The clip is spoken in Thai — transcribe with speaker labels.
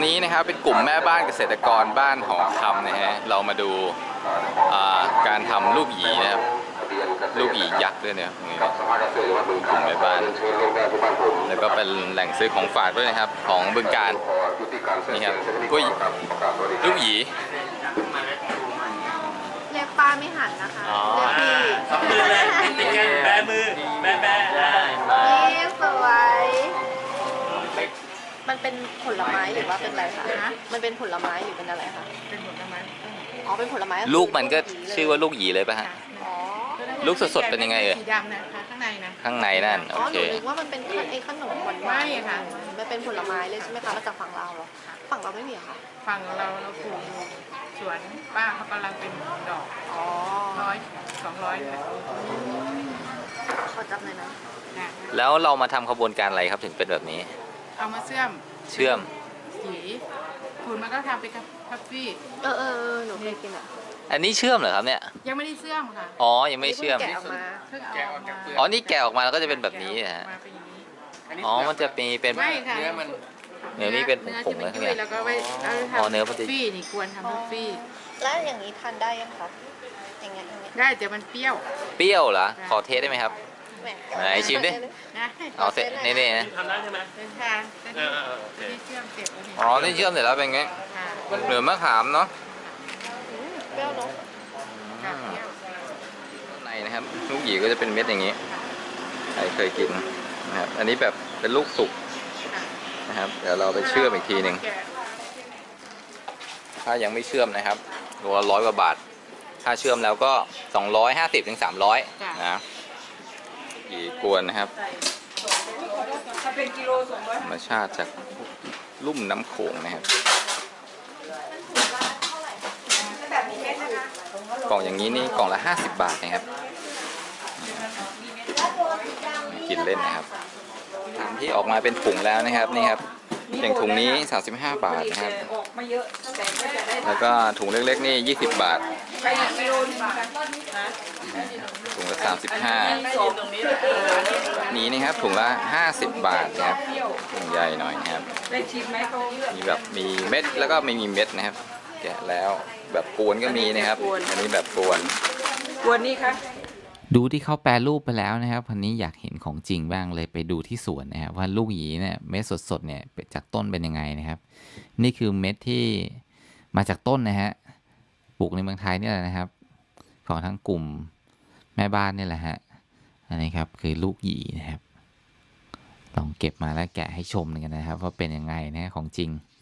Speaker 1: นี้นะครับเป็นกลุ่มแม่บ้านเกษตรกรบ้านหอคำนะฮะเรามาดูการทำลูกหยีนะครับลูกหยียักษ์ด้วยเนี่ยตรงนี้กลุ่มแม่บ้านแล้วก็เป็นแหล่งซื้อของฝากด้วยนะครับของบึงกาฬนี่ครับก็ลูกหยี
Speaker 2: เรียกป้าไม่หันนะคะเรียกพี่
Speaker 3: สองมือเลยติดกันแบมือแบ
Speaker 2: นี่สวยมันเป็นผลไม้หรือว่าเป็นอะไรคะมันเป็นผลไม้หรือเป็นอะไรคะ
Speaker 3: เป็นผลไม้
Speaker 2: อ๋อเป็นผลไม้
Speaker 1: ลูกมันก็ชื่อว่าลูกหยีเลยป่ะฮะ
Speaker 2: อ๋อ
Speaker 1: ลูกสดๆเป็นยังไง
Speaker 3: สีดำนะคะข้างในนะ
Speaker 1: ข้างในนั่นโอเค
Speaker 2: หนูนึกว่ามันเป็นไอ้ขนมหวาน
Speaker 3: ไม่ค่ะ
Speaker 2: มันเป็นผลไม้เลยใช่ไหมคะมาจากฝั่งเราเหรอฝั่งเราไม่มีค่ะ
Speaker 3: ฝั่งเราปลูกสวนป้าเขากำลังเป็นดอก
Speaker 2: อ๋อ
Speaker 3: 100-200
Speaker 2: ขอจับหน่อยนะ
Speaker 1: แล้วเรามาทำขบวนการอะไรครับถึงเป็นแบบนี้
Speaker 3: เอามาเชื่อมสีขุนมันก็ทำเป็นคัฟฟี่
Speaker 2: หนูเคยกินอ่ะ
Speaker 1: อันนี้เชื่อมเหรอครับเนี่ย
Speaker 3: ยังไม่ได้เชื่อมค่ะ
Speaker 1: อ๋อยังไม่เชื่อม
Speaker 2: แกะออกมา
Speaker 1: อ๋อนี่แกะออกมาแล้วก็จะเป็นแบบนี้ฮะอ๋อมันจะมีเป็น
Speaker 3: ไม่ค่ะ
Speaker 1: เนื้อนี่เป็นผงๆเลย
Speaker 3: เนี่ยแล้วก็ไว้ทำคัฟฟี่นี่ควรทำคัฟฟี่
Speaker 2: แล้วอย่างนี้ทานได้ยังคะอย่างเงี้ย
Speaker 3: ได้แต่มันเปรี้ยว
Speaker 1: เหรอขอเทสได้ไหมครับไหนชิมดิเอาเสร็จนี่นะ
Speaker 3: ทำได้ใช่ไหมเป็นทางที่เชื่อมเสร็จแล้ว
Speaker 1: อ๋อนี่เชื่อมเสร็จแล้วเป็นไงเหลือมะขามเนาะ
Speaker 2: เปรี้ยวเนาะ
Speaker 1: ในนะครับลูกหยีก็จะเป็นเม็ดอย่างนี้ใครเคยกินนะครับอันนี้แบบเป็นลูกสุกนะครับเดี๋ยวเราไปเชื่อมอีกทีหนึ่งถ้ายังไม่เชื่อมนะครับตัวละ100 กว่าบาทถ้าเชื่อมแล้วก็250-300นะหยีกวนนะครับธรรมชาติจากลุ่มน้ำโขงนะครับกล่องอย่างนี้นี่กล่องละ50 บาทนะครับกินเล่นนะครับถุงที่ออกมาเป็นถุงแล้วนะครับนี่ครับอย่างถุงนี้35 บาทนะครับแล้วก็ถุงเล็กๆนี่20 บาทถุงละ35นี้นะครับถุงละ50 บาทนะครับถุงใหญ่หน่อยนะครับมีแบบมีเม็ดแล้วก็ไม่มีเม็ดนะครับแกะแล้วแบบกวนก็มีนะครับอันนี้แบบกวน
Speaker 3: นี่ค่ะ
Speaker 1: ดูที่เขาแปรรูปไปแล้วนะครับวันนี้อยากเห็นของจริงบ้างเลยไปดูที่สวนนะครับว่าลูกหยีเนี่ยเม็ดสดๆเนี่ยจากต้นเป็นยังไงนะครับนี่คือเม็ดที่มาจากต้นนะฮะปลูกในเมืองไทยนี่แหละนะครับของทั้งกลุ่มแม่บ้านนี่แหละฮะอันนี้ครับคือลูกหยีนะครับลองเก็บมาแล้วแกะให้ชมกันนะครับว่าเป็นยังไงนะของจริง